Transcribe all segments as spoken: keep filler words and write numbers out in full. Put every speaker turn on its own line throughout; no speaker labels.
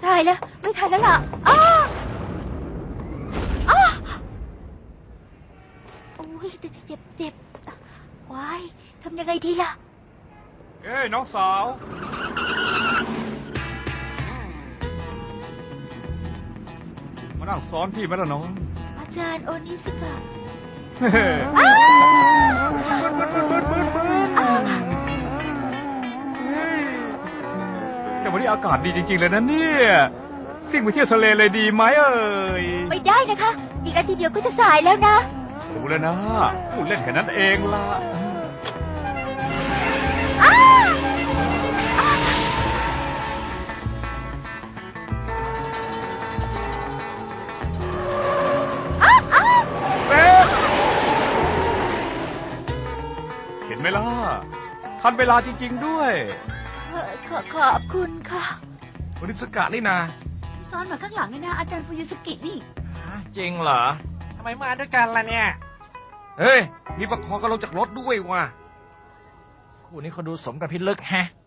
ตายแล้วไม่ทันแล้วล่ะอ้าอ้าโอ้ยเจ็บเจ็บเจ็บว้ายทำยังไงดีล่ะ
เอ้ยน้องสาว มานั่งซ้อนพี่ไหมล่ะน้อง
อาจารย์โอนิสกะ
เฮ้แต่วันนี้อากาศดีจริงๆเลยนะเนี่ยสิ่งไปเที่ยวทะเลเลยดีไหมเอ่ย
ไม่ได้นะคะอีกอาทิตย์เดียวก็จะสายแล้วนะ
รู้แล้วนะพูดเล่นแค่นั้นเองล่ะเห็นไหมล่ะทันเวลาจริงๆด้วย
ขอขอบคุณค่ะ
โอนิสกะนี่นา
ซ้อนมาข้างหลังเลยนะอาจารย์ฟูยุสกินี่
จริงเหรอทำไมมาด้วยกันล่ะเนี่ยเฮ้ยมีประคองกันลงจากรถด้วยว่ะคู่นี้เขาดูสมกับพิลึกแฮะ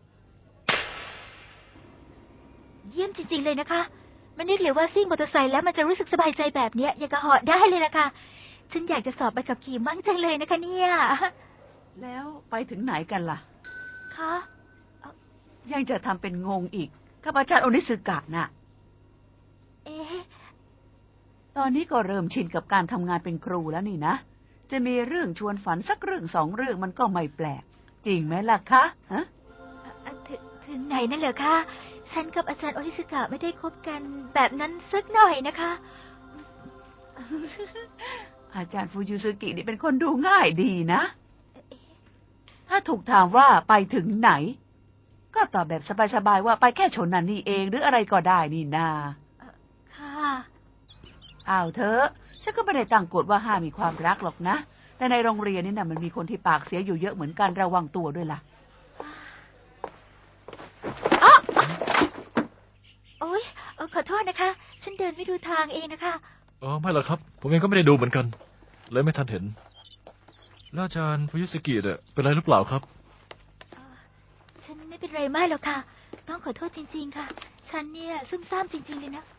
เยี่ยมจริงๆเลยนะคะไม่นึกเลยว่าซิ่งมอเตอร์ไซค์แล้วมันจะรู้สึกสบายใจแบบนี้อย่างกระหอบได้เลยนะคะฉันอยากจะสอบใบขับขี่มั่งจังเลยนะคะเนี่ย
แล้วไปถึงไหนกันล่ะ
คะ
ยังจะทำเป็นงงอีกกับอาจารย์โอนิสึกะน่ะ
เอ๊ะ
ตอนนี้ก็เริ่มชินกับการทำงานเป็นครูแล้วนี่นะจะมีเรื่องชวนฝันสักเรื่องสองเรื่องมันก็ไม่แปลกจริงไหมล่ะคะฮะ
ถึงถึงไหนนั่นเหรอคะฉันกับอาจารย์โอนิสึกะไม่ได้คบกันแบบนั้นสักหน่อยนะคะ
อาจารย์ฟูยุสึกินี่เป็นคนดูง่ายดีนะถ้าถูกถามว่าไปถึงไหนก็ตอบแบบสบายๆว่าไปแค่ชนนันนี่เองหรืออะไรก็ได้นี่นา
ค่ะ
อ้าวเธอฉันก็ไม่ได้ตั้งกฎว่าห้ามมีความรักหรอกนะแต่ในโรงเรียนนี่นะมันมีคนที่ปากเสียอยู่เยอะเหมือนกันระวังตัวด้วยล่ะ
อ๋อโอ๊ยขอโทษนะคะฉันเดินไม่ดูทางเองนะคะ
อ๋อไม่หรอกครับผมเองก็ไม่ได้ดูเหมือนกันเลยไม่ทันเห็นแล้วอาจารย์ฟูยุสกิเนี่ยเป็นไรหรือเปล่าครับ
ฉันไม่เป็นไรมากหรอกค่ะต้องขอโทษจริงๆค่ะฉันเนี่ยซุ่มซ่ามจริงๆเลยนะ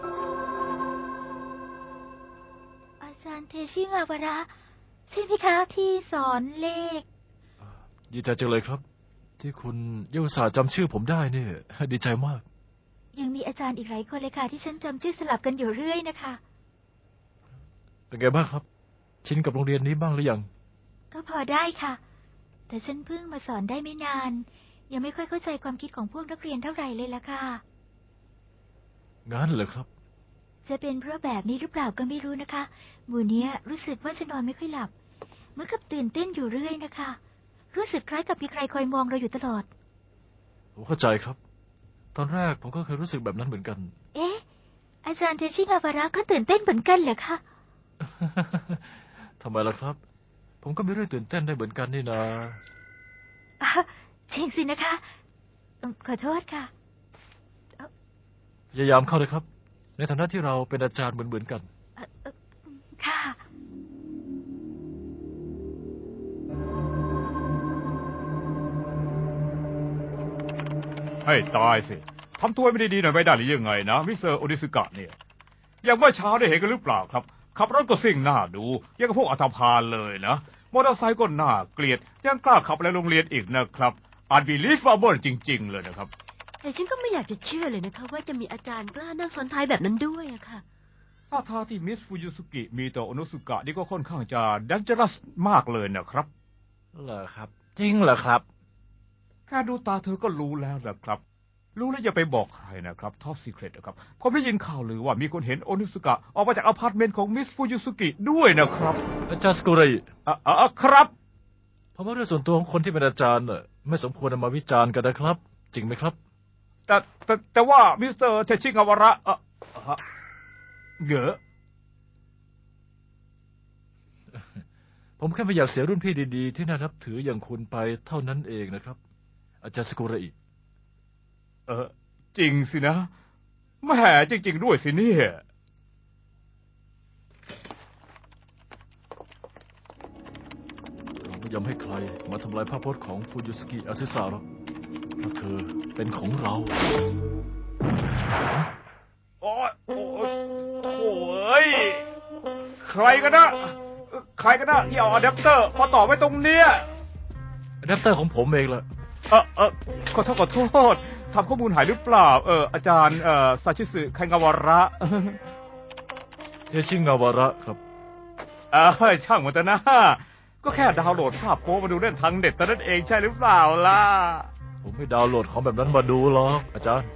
อาจารย์เทชิงาวาระใช่ไหมคะที่สอนเลข
ดีใจจังเลยครับที่คุณยังอุตส่าห์จำชื่อผมได้เนี่ยดีใจมาก
ยังมีอาจารย์อีกหลายคนเลยค่ะที่ฉันจำชื่อสลับกันอยู่เรื่อยนะคะ
เป็นไงบ้างครับชินกับโรงเรียนนี้บ้างหรือยัง
ก็พอได้ค่ะแต่ฉันเพิ่งมาสอนได้ไม่นานยังไม่ค่อยเข้าใจความคิดของพวกนักเรียนเท่าไหร่เลยล่ะค่ะ
งั้นเหรอครับ
จะเป็นเพราะแบบนี้หรือเปล่าก็ไม่รู้นะคะหมู่เนี้ยรู้สึกว่าจะนอนไม่ค่อยหลับเหมือนกับตื่นเต้นอยู่เรื่อยนะคะรู้สึกคล้ายกับมีใครคอยมองเราอยู่ตลอด
ผมเข้าใจครับตอนแรกผมก็เคยรู้สึกแบบนั้นเหมือนกัน
เอ๊ะอาจารย์เทชิงาวาระก็ตื่นเต้นเหมือนกันเหรอคะ
ทำไมล่ะครับผมก็มีเรื่องตื่นเต้นได้เหมือนกันนี่นะ
จริงสินะคะขอโทษค่ะ
พยายามเข้าเลยครับในฐานะที่เราเป็นอาจารย์เหมือนๆกัน
ค่ะ
ให้ตายสิทำตัวไม่ได้ดีหน่อยไม่ได้หรือยังไงนะมิสเตอร์โอนิสึกะเนี่ยอย่างเมื่อเช้าได้เห็นกันหรือเปล่าครับขับรถก็สิ่งหน้าดูยังกับพวกอัตภานเลยนะมอเตอร์ไซค์ก็น่าเกลียดยังกล้าขับในโรงเรียนอีกนะครับอาจบีลีฟบาเบิลจริงๆเลยนะครับ
แต่ฉันก็ไม่อยากจะเชื่อเลยนะคะว่าจะมีอาจารย์กล้านั่งซ้อนท้ายแบบนั้นด้วยอะค่ะ
ท่าทางที่มิสฟูยุสุกิมีต่อโอนุสุกะนี่ก็ค่อนข้างจะดันเจอรัสมากเลยนะครับ
เหรอครับจริงเหรอครับ
แค่ดูตาเธอก็รู้แล้วนะครับรู้แล้วอย่าไปบอกใครนะครับท็อปซีเครตนะครับผมได้ยินข่าวหรือว่ามีคนเห็นโอนุสุกะออกมาจากอพาร์ตเมนต์ของมิสฟูยุสุกิด้วยนะครับ
อาจารย์สกุริ
อ่ะอ่ะครับ
เพราะว่าเรื่องส่วนตัวของคนที่เป็นอาจารย์น่ะไม่สมควรนำมาวิจารณ์กันนะครับจริงไหมครับ
แต่แต่แต่ว่ามิสเตอร์เทชิงาวาระเออเยอะ
ผมแค่ไม่อยากเสียรุ่นพี่ดีๆที่น่านับถืออย่างคุณไปเท่านั้นเองนะครับอาจารย์สกุริ
เออจริงสินะแหมจริงๆด้วยสิเนี่ย
เราไม่ยอมให้ใครมาทำลายภาพพจน์ของฟูยุสกิอาซึสะหรอกเพราะเธอเป็นของเรา
โอ้ยโถ่ยใครกันนะใครกันนะที่เอาอะแดปเตอร์มาต่อไว้ตรงเนี้ย
อะแดปเตอร์ของผมเองละ
เออเออขอโทษขอโทษทำข้อมูลหายหรือเปล่า เอออาจารย์เอ่อซาชิสึไคงาวาระ
เทชิงาวาระครับ
เออช่างมันเถอะนะ ก็แค่ดาวน์โหลดภาพโป๊มาดูเล่นทางเน็ตแต่นั้นเองใช่หรือเปล่าล่ะ
ผมไม่ดาวน์โหลดของแบบนั้นมาดูหรอกอาจารย์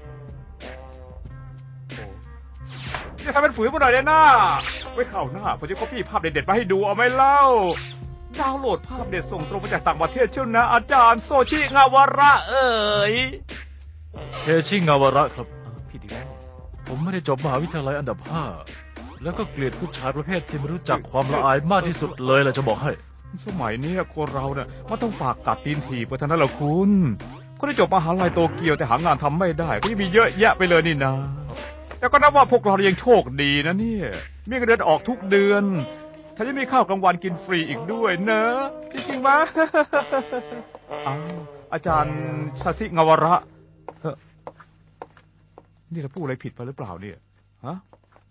จะทำเป็นฝืนมาหน่อยเลยนะไว้ข่าวหน้าผมจะก๊อปปี้ภาพเด็ดๆมาให้ดูเอาไหมเล่า ดาวน์โหลดภาพเด็ดส่งตรงมาจากต่างประเทศเชียวนะอาจารย์โซชิงาวาระเอ๋ย
เทชิงาวาระครับ
ผิดอีกแล้ว
ผมไม่ได้จบมหาวิทยาลัยอันดับห้าแล้วก็เกลียดผู้ชายประเภทที่ไม่รู้จักความละอายมากที่สุดเลยล่ะจะบอกให้
สมัยนี้คนเราเนี่ยมันต้องฝากกัดตีนถีบไปเท่านั้นแหละคุณก็ได้จบมหาลัยโตเกียวแต่หางานทำไม่ได้ก็ยังมีเยอะแยะไปเลยนี่นะแต่ก็นับว่าพวกเรายังโชคดีนะเนี่ยมีเงินเดือนออกทุกเดือนถ้าจะมีข้าวกลางวันกินฟรีอีกด้วยเนอะจริงๆมั้ย อ้าวอาจารย์ชาซิงาวาระเฮ้อนี่เราพูดอะไรผิดไปหรือเปล่าเนี่ยฮะ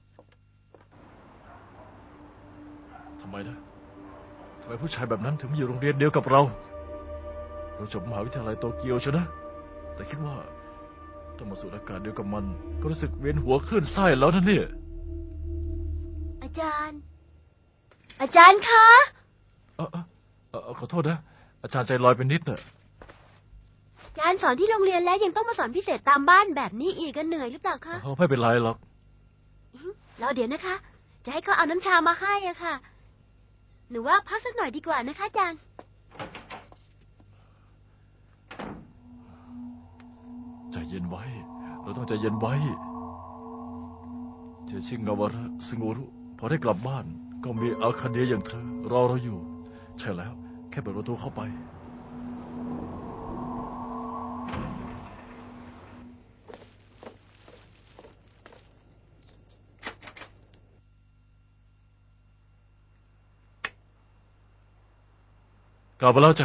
ทำไมนะทำไมผู้ชายแบบนั้นถึงมาอยู่โรงเรียนเดียวกับเรา เราจบมหาวิทยาลัยโตเกียวใช่นะ แต่คิดว่าต้องมาสูดอากาศเดียวกับมัน ก็รู้สึกเวียนหัวคลื่นไส้แล้วนะเนี่ย
อาจารย์ อาจารย์คะ
เออเออเออขอโทษนะ อาจารย์ใจลอยไปนิดเนอะ
อาจารย์สอนที่โรงเรียนแล้วยังต้องมาสอนพิเศษตามบ้านแบบนี้อีกก็เหนื่อยหรือเปล่าคะ
เออไม่เป็นไรหรอก
รอเดี๋ยวนะคะ จะให้เขาเอาน้ำชามาให้อะค่ะ หนูว่าพักสักหน่อยดีกว่านะคะอาจารย์
ใจเย็นไว้ เราต้องใจเย็นไว้เจชิงาวาระสงูรุพอได้กลับบ้าน ก็มีอาคาเดียอย่างเธอรอเราอยู่ ใช่แล้ว แค่เปิดประตูเข้าไป กลับมาแล้วจ้ะ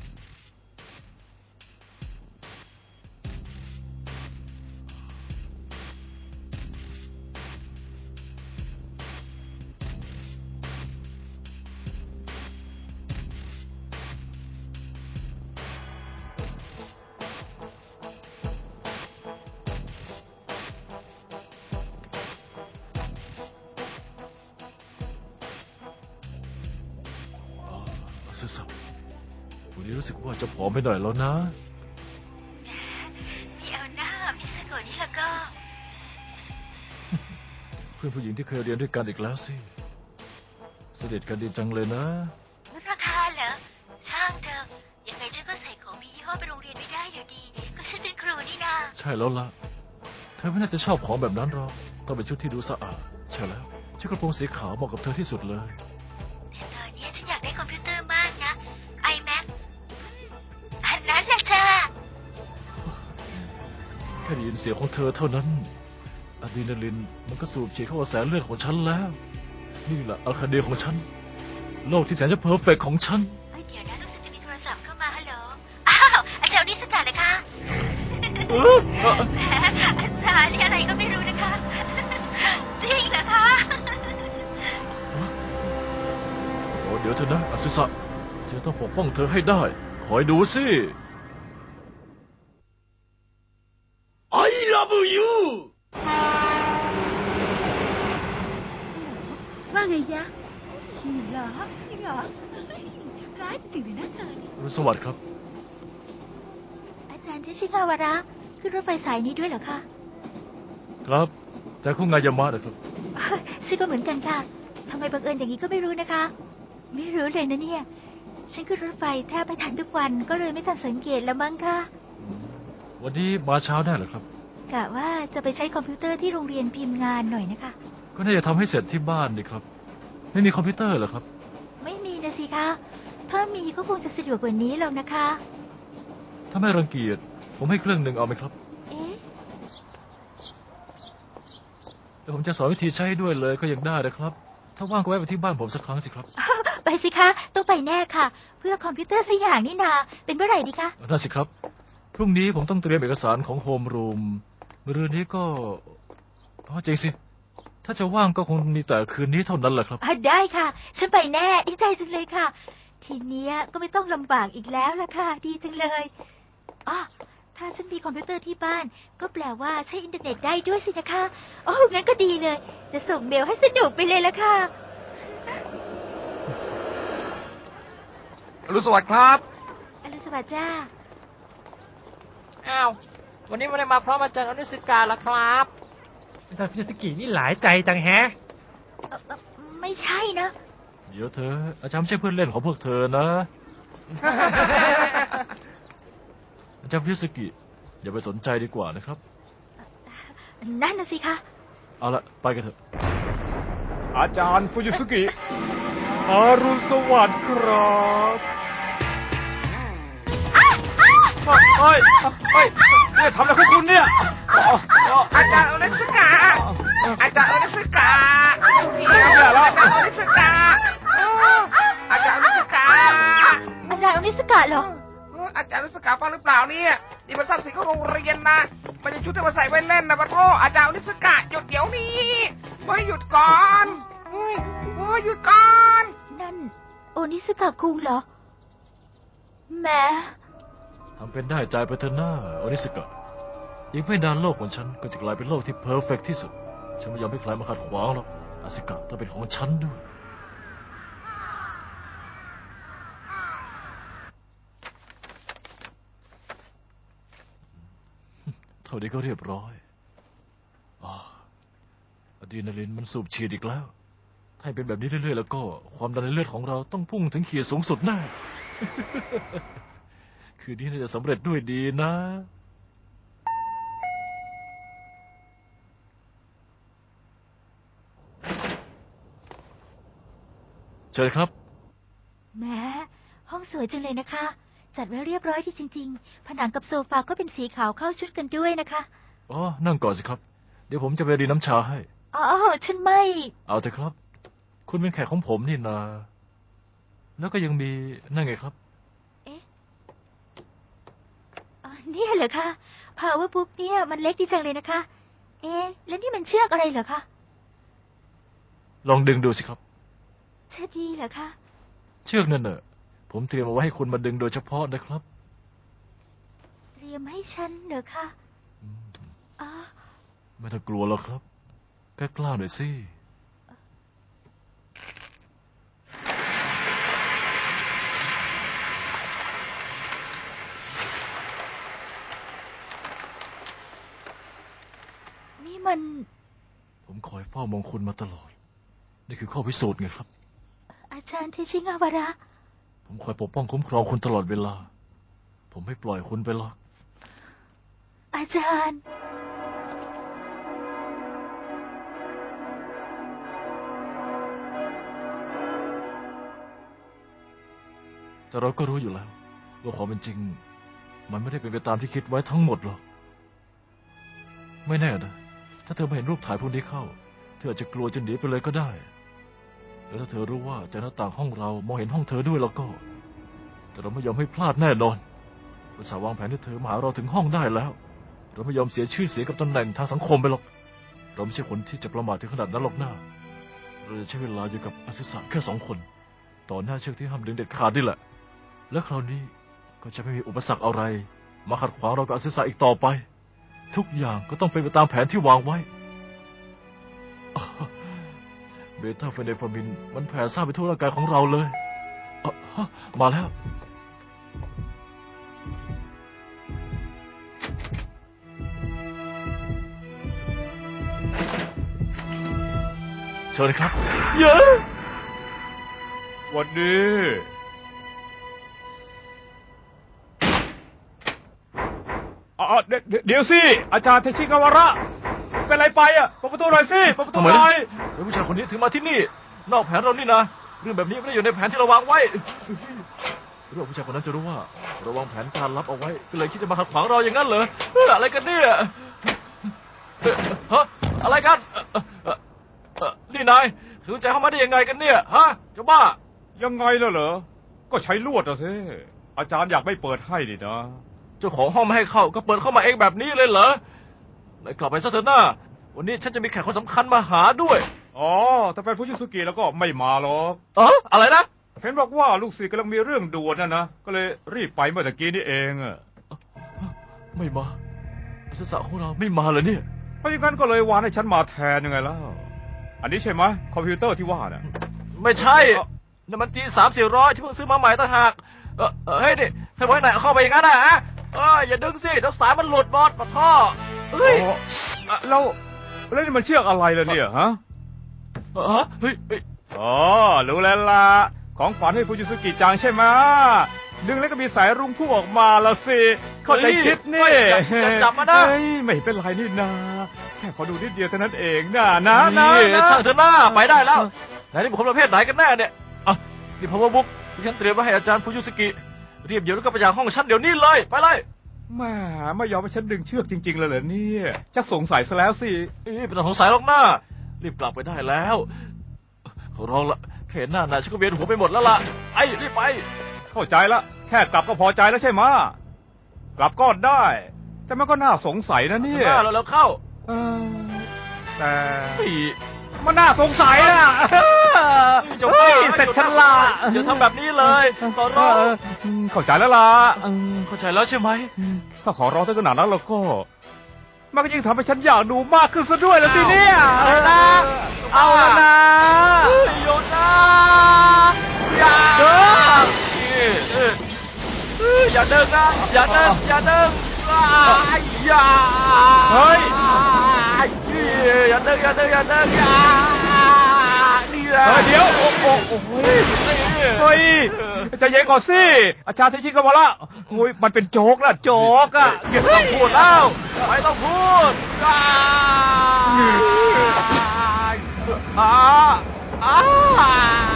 ซึสับวันนี้รู้สึกว่าจะผอมไปหน่อยแล้วนะ
เดี๋ยวหน้ามิสโกะนี่แล้วก็
เพื่อนผู้หญิงที่เคยเรียนด้วยกันอีกแล้วสิเสด็จกันดีจังเลยนะ
ลดราคาเหรอ ช่างเถอะยังไงฉันก็ใส่ของมียี่ห้อไปโรงเรียนไม่ได้อยู่ดี ก็ฉันเป็นครูนี่นา
ใช่แล้วล่ะ เธอไม่น่าจะชอบของแบบนั้นหรอกต้องเป็นชุดที่ดูสะอาดใช่แล้วชุดกระโปรงสีขาวเหมาะกับเธอที่สุดเลย
แต่ตอนนี้ฉันอยากได้คอมพิวเตอร์มากนะ iMac อันนั้นแหละจ้า
แค่ได้ยินเสียงของเธอเท่านั้นอะดรีนาลินมันก็สูบฉีดเข้ากระแสเลือดของฉันแล้ว นี่แหละอาคาเดียของฉัน โลกที่แสนจะเพอร์เฟกต์ของฉัน
เอ้ยเดี๋ยวนะรู้สึกจะมีโทรศัพท์เข้ามาฮัลโหล อ้าว อาจารย์นี่สกัดนะคะ
เออเออ
อาจารย์เรียกอะไรก็ไม่รู้นะคะ จริงเหรอคะ
โอ้เดี๋ยวเธอนะอาซึสะฉันต้องปกป้องเธอให้ได้ คอยดูสิ
I love you
ว่าไงยะนี่เหรอนี่เหรอร้ายจริงเลยนะเธอเนี่ย
สวัสดีครับ
อาจารย์เทชิกาวาระขึ้นรถไฟสายนี้ด้วยเหรอคะ
ครับจากคุงงายามะนะครับ
ฉันก็เหมือนกันค่ะทำไมบังเอิญอย่างนี้ก็ไม่รู้นะคะ ไม่รู้เลยนะเนี่ย ฉันขึ้นรถไฟแทบไปทันทุกวันก็เลยไม่ทันสังเกตแล้วมั้งค่ะ
วันนี้มาเช้าแน่เหรอครับ
กะว่าจะไปใช้คอมพิวเตอร์ที่โรงเรียนพิมพ์งานหน่อยนะคะ
ก็น่าจะทำให้เสร็จที่บ้านดีครับ ไม่มีคอมพิวเตอร์เหรอครับ
ไม่มีนะสิคะ ถ้ามีก็คงจะสะดวกกว่านี้หรอกนะคะ
ถ้าไม่รังเกียจผมให้เครื่องหนึ่งเอาไหมครับ
เอ๊ะ
เดี๋ยวผมจะสอนวิธีใช้ด้วยเลยก็ยังได้นะครับ ถ้าว่างก็แวะไปที่บ้านผมสักครั้งสิครับ
ไปสิคะ ต้องไปแน่ค่ะ เพื่อคอมพิวเตอร์สักอย่างนี่นา เป็นเมื่อไหร่ดีคะ
นั่นสิครับ พรุ่งนี้ผมต้องเตรียมเอกสารของโฮมรูม มะรืนนี้ก็อ๋อจริงสิถ้าจะว่างก็คงมีแต่คืนนี้เท่านั้นแหละครับ
อ่ะได้ค่ะ ฉันไปแน่ดีใจจังเลยค่ะ ทีเนี้ยก็ไม่ต้องลำบากอีกแล้วล่ะค่ะ ดีจังเลยอ๋อถ้าฉันมีคอมพิวเตอร์ที่บ้าน ก็แปลว่าใช้อินเทอร์เน็ตได้ด้วยสินะคะโอ้งั้นก็ดีเลย จะส่งเมลให้สนุกไปเลยละค่ะ
อรุณสวัสดิ์ครับ
อรุณสวัสดิ์จ้า
อ้าว วันนี้ไม่ได้มาพร้อมอาจารย์อนุสิกาละครับ
อาจารย์ฟิสกินี่หลายใจจังแฮะ
เอ่อเอ่อไม่ใช่นะ
เดี๋ยวเธออาจารย์ไม่ใช่เพื่อนเล่นของพวกเธอนะ อาจารย์พิสกิอย่าไปสนใจดีกว่านะครับ
นั่นน่ะสิคะ
เอาละไปกันเถอะ
อาจารย์ฟูจิสกิอรุณสวัสดิ์ครับเฮ้ยเฮ้ยเนี่ยทำอะไรของคุณเนี่ย
อาจารย์อนุสิกา อาจารย์อนุสิกา
แย่แล้ว
อาจารย์อนุสิกา อาจารย์อนุสิกา
อาจารย์อนิสกะเหรอ
อาจารย์อนุสิกาฟังหรือเปล่าเนี่ยนี่มันทรัพย์สินของโรงเรียนนะมันจะชุดที่มาใส่ไว้เล่นนะปะโทอาจารย์อนุสิกาหยุดเดี๋ยวนี้เฮ้ยหยุดก่อนเฮ้ยเฮ้ยหยุดก่อน
นั่นโอนิสกะคุงเหรอแหม
ทำเป็นได้ใจไปเถอะหน้าโอนิสกะอีกไม่นานโลกของฉันก็จะกลายเป็นโลกที่เพอร์เฟกต์ที่สุด ฉันไม่ยอมให้ใครมาขัดขวางหรอกอาสิกะต้องเป็นของฉันด้วย เท่านี้ก็เรียบร้อยอาอะดรีนาลินมันสูบฉีดอีกแล้ว ถ้าเป็นแบบนี้เรื่อยๆแล้วก็ความดันในเลือดของเราต้องพุ่งถึงขีดสูงสุดแน่ คืนนี้น่าจะสำเร็จด้วยดีนะ เชิญครับ
แหมห้องสวยจังเลยนะคะ จัดไว้เรียบร้อยที่จริงๆ ผนังกับโซฟาก็เป็นสีขาวเข้าชุดกันด้วยนะคะ
อ๋อ นั่งก่อนสิครับ เดี๋ยวผมจะไปรีน้ำชาให้
อ๋อ ฉันไม่
เอาเถอะครับ คุณเป็นแขกของผมนี่นา แล้วก็ยังมีนั่นไงครับ
เอ๊ะอ๋อเนี่ยเหรอคะ Power Book เนี่ยมันเล็กดีจังเลยนะคะ เอ๊ะ แล้วนี่มันเชือกอะไรเหรอคะ
ลองดึงดูสิครับ
เชือกดีเหรอคะ
เชือกนั่นเน่ะผมเตรียมเอาไว้ให้คุณมาดึงโดยเฉพาะนะครับ
เตรียมให้ฉันเหรอคะอ๋อ
ไม่ต้องกลัวหรอกครับแค่กล้าหน่อยสิ
นี่มัน
ผมคอยเฝ้ามองคุณมาตลอด นี่คือข้อพิสูจน์ไงครับ
อาจารย์เทชิงาวาระ
ผมคอยปกป้องคุ้มครองคุณตลอดเวลา ผมไม่ปล่อยคุณไปหรอก
อาจารย์
แต่เราก็รู้อยู่แล้วว่าความเป็นจริง มันไม่ได้เป็นไปตามที่คิดไว้ทั้งหมดหรอก ไม่แน่นะ ถ้าเธอไม่เห็นรูปถ่ายพวกนี้เข้า เธออาจจะกลัวจนหนีไปเลยก็ได้ แล้วถ้าเธอรู้ว่าจากหน้าต่างห้องเรามองเห็นห้องเธอด้วยแล้วก็ แต่เราไม่ยอมให้พลาดแน่นอนอุตส่าห์วางแผนให้เธอมาหาเราถึงห้องได้แล้ว เราไม่ยอมเสียชื่อเสียงกับตำแหน่งทางสังคมไปหรอก เราไม่ใช่คนที่จะประมาทถึงขนาดนั้นหรอกนะเราจะใช้เวลาอยู่กับอาศิสะแค่สองคน ต่อหน้าเชือกที่ห้ามดึงเด็ดขาดนี่แหละ และคราวนี้ก็จะไม่มีอุปสรรคอะไร มาขัดขวางเรากับอาศิสะอีกต่อไป ทุกอย่างก็ต้องเป็นไปตามแผนที่วางไว้ เบต้าเฟเนฟามินมันแผ่ซ่านไปทั่วร่างกายของเราเลยเอ่อฮะมาแล้ว เชิญครับ เยอะ
วันนี้อ๋อเดี๋ยวเดี๋ยวสิ อาจารย์เทชิกาวาระ เป็นไรไปอ่ะเปิดประตูหน่อยสิเปิดประตู
ทำไม
หน่
นะ
อย
เดี๋ยวผู้ชายคนนี้ถึงมาที่นี่ นอกแผนเรานี่นะ เรื่องแบบนี้ไม่ได้อยู่ในแผนที่เราวางไว้เรื่องผู้ชายคนนั้นจะรู้ว่าเราวางแผนการลับเอาไว้ ก็เลยคิดจะมาขัดขวางเราอย่างนั้นเหรอเฮ้ยอะไรกันเนี่ยเอ่อฮะอะไรกันเอ่อเอ่อเอ่อนี่นายสนใจเข้ามาได้ยังไงกันเนี่ยฮะเจ้าบ้า
ยังไงล่ะเหรอ ก็ใช้ลวดอะสิอาจารย์อยากไม่เปิดให้นี่นะ
เจ้าของห้องไม่ให้เข้าก็เปิดเข้ามาเองแบบนี้เลยเหรอไหนกลับไปซะเถอะหน้าวันนี้ฉันจะมีแขกคนสำคัญมาหาด้วย
อ๋อถ้าเป็นฟูจิสุกิแล้วก็ไม่มาหรอก
เอออะไรนะ
เห็นบอกว่าลูกศิษย์กำลังมีเรื่องด่วนนะนะ ก็เลยรีบไปเมื่อตะกี้นี่เองอะ
ไม่มาอาสสะของเราไม่มาเลยเนี่ย
เพราะอย่างนั้นก็เลยวานให้ฉันมาแทนยังไงล่ะ อันนี้ใช่ไหมคอมพิวเตอร์ที่ว่าน่ะ
ไม่ใช่นั่นมันจีสามสี่ร้อยที่เพิ่งซื้อมาใหม่ต่างหากเออเออเฮ้ยนี่ให้ไว้ไหนเอาเข้าไปอย่างนั้นนะฮะเอออย่าดึงสิเดี๋ยวสายมันหลุดบอดปะท่อเฮ้ย
อ๋อแล้วแล้วนี่มันเชือกอะไรล่ะเนี่ยฮะ
เออเฮ้ยเฮ้ย
อ๋อรู้แล้วล่ะของขวัญให้ฟูจิสุกิจังใช่ไหมดึงแล้วก็มีสายรุ้งพุ่งออกมาละสิเข้าใจคิดนี่
อย่าอย่าจับมานะ
เฮ้ยไม่เป็นไรนี่นาแค่ขอดูนิดเดียวเท่านั้นเองนะนะนะ
นี่
นะ
ช่างเถอะหน้าไปได้แล้วไหนนี่ผมประเภทไหนกันแน่เนี่ยอ่ะนี่พาวเวอร์บุ๊กที่ฉันเตรียมไว้ให้อาจารย์ฟูยุสกิเรียบเดี๋ยวแล้วก็ไปจากห้องฉันเดี๋ยวนี้เลยไปเลย
แหม่ไม่ยอมให้ฉันดึงเชือกจริงๆเลยเหรอเนี่ยชักสงสัยซะแล้วสิ
เอ้ยเป็นสงสัยหรอกหน้ารีบกลับไปได้แล้วขอร้องละแค่หน้าหนาฉันก็เวียนหัวไปหมดแล้วล่ะไอ้รีบไป
เข้าใจละแค่กลับก็พอใจแล้วใช่ไหมกลับก็ได้ แต่มันก็น่าสงสัยนะเนี่ย
หน้าแล้วแล้วเข้า
เออแต่
เฮ้ย
มันน่าสงสัยอ่ะ
จะ
เฮ้
บ้าย
เสร็จฉันละ
อย่าทำแบบนี้เลยขอร้อง
เออเข้าใจแล้วล่ะเออ
เข้าใจแล้วใช่ไหม
ถ้าขอร้องถึงขนาดนั้นแล้วก็ มันก็ยิ่งทำให้ฉันอยากดูมากขึ้นซะด้วยแล้วสิเนี่ยเอาละนะเอาละนะ
โยนนะอย่า
เออ
อย่าเดินนะอย่าเดินอย่าเดินอย่า
เฮ้ย
อย่าเดินอย่าเดินอย่าเดินอย่านี่แหละ
เฮ้ยเดี๋ยวโอ้โหโอ้โหเฮ้ยใจเย็นก่อนสิอาจารย์เทชิก็มาละโอ้ยมันเป็นโจ๊กละโจ๊กอะ
ไม่ต้องพูดแล้วไม่ต้องพูดอ่าอ่าอ่า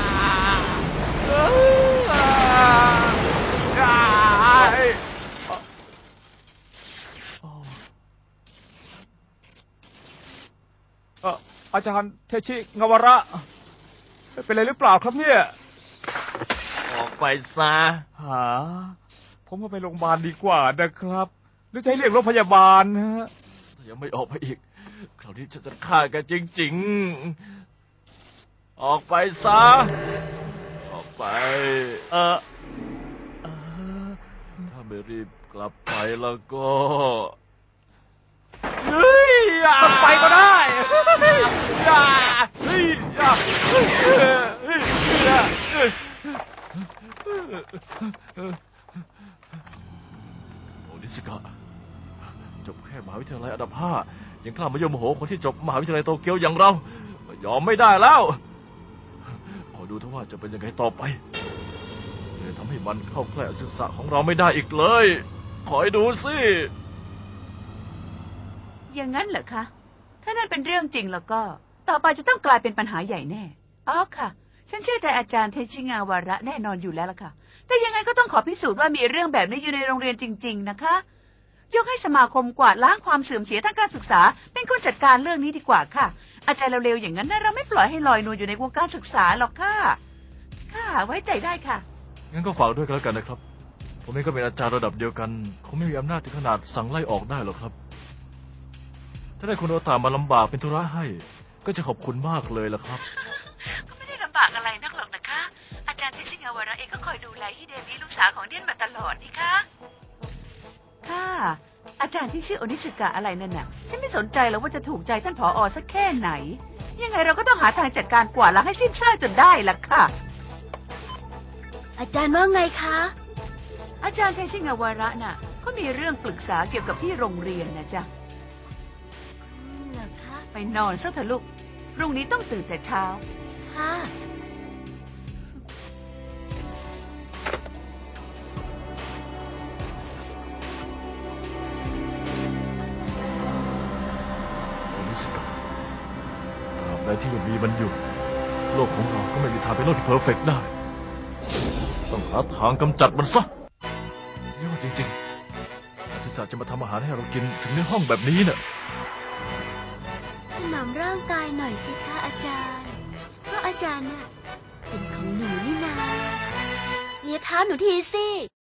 เอ่ออาจารย์เทชิงาวาระเป็นอะไรหรือเปล่าครับเนี่ย
ออกไปซะ
หาผมว่าไปโรงพยาบาลดีกว่านะครับ หรือจะให้เรียกรถพยาบาลนะฮะ
ถ้ายังไม่ออกไปอีกคราวนี้ฉันจะฆ่าแกจริงๆออกไปซะออกไป
เออเอ่อ
ถ้าไม่รีบกลับไปแล้วก็เฮ้ย
ต้องไปก็ได้
อย่าเฮ้ยอย่าเฮ้ยเฮ้ยอย่าเฮ้ยโอนิสกะจบแค่มหาวิทยาลัยอันดับห้ายังกล้ามายมโหคนที่จบมหาวิทยาลัยโตเกียวอย่างเรายอมไม่ได้แล้วขอดูเถอะว่าจะเป็นยังไงต่อไปจะทำให้มันเข้าใกล้อสุสะของเราไม่ได้อีกเลยขอให้ดูสิ
อย่างนั้นเหรอคะ ถ้านั่นเป็นเรื่องจริงแล้วก็ ต่อไปจะต้องกลายเป็นปัญหาใหญ่แน่ อ๋อค่ะ ฉันเชื่อใจอาจารย์เทชิงาวาระแน่นอนอยู่แล้วล่ะค่ะ แต่ยังไงก็ต้องขอพิสูจน์ว่ามีเรื่องแบบนี้อยู่ในโรงเรียนจริง ๆ นะคะ ยกให้สมาคมกวาดล้างความเสื่อมเสียทางการศึกษา เป็นคนจัดการเรื่องนี้ดีกว่าค่ะ อาจารย์เร็วๆอย่างนั้นนะเราไม่ปล่อยให้ลอยนวลอยู่ในวงการศึกษาหรอกค่ะ ค่ะ ไว้ใจได้ค่ะ
งั้นก็ฝากด้วยกันแล้วกันนะครับ ผมเองก็เป็นอาจารย์ระดับเดียวกันคงไม่มีอำนาจถึงขนาดสั่งไล่ออกได้หรอกครับ ถ้าได้คุณโอตามาลำบากเป็นธุระให้ ก็จะขอบคุณมากเลยล่ะครับ
ก็ไม่ได้ลำบากอะไรนักหรอกนะคะ อาจารย์เทชิงาวาระเองก็คอยดูแลฮิเดมิลูกสาวของเดียนมาตลอดนี่คะค่ะ อาจารย์ที่ชื่อโอนิสึกะอะไรนั่นน่ะ ฉันไม่สนใจหรอกว่าจะถูกใจท่านผออสักแค่ไหน ยังไงเราก็ต้องหาทางจัดการกวาดล้างให้สิ้นซากจนได้ล่ะค่ะ
อาจารย์ว่าไงคะ
อาจารย์เทชิงาวาระน่ะเขามีเรื่องปรึกษาเกี่ยวกับที่โรงเรียนนะจ๊ะ
เหรอคะ
ไปนอนซะเถอะลูก พรุ่งนี้ต้องตื่นแต่เช้า
ค่ะ
โอนิสกะตราบใดที่ยังมีมันอยู่ โลกของเราก็ไม่มีทางเป็นโลกที่เพอร์เฟกต์ได้ ต้องหาทางกำจัดมันซะนี่ว่าจริงๆนักศึกษาจะมาทำอาหารให้เรากินถึงในห้องแบบนี้เนี่ย
ถนอมร่างกายหน่อยสิคะอาจารย์ เพราะอาจารย์น่ะเป็นของหนูนี่นาเลียเท้าหนูทีสิ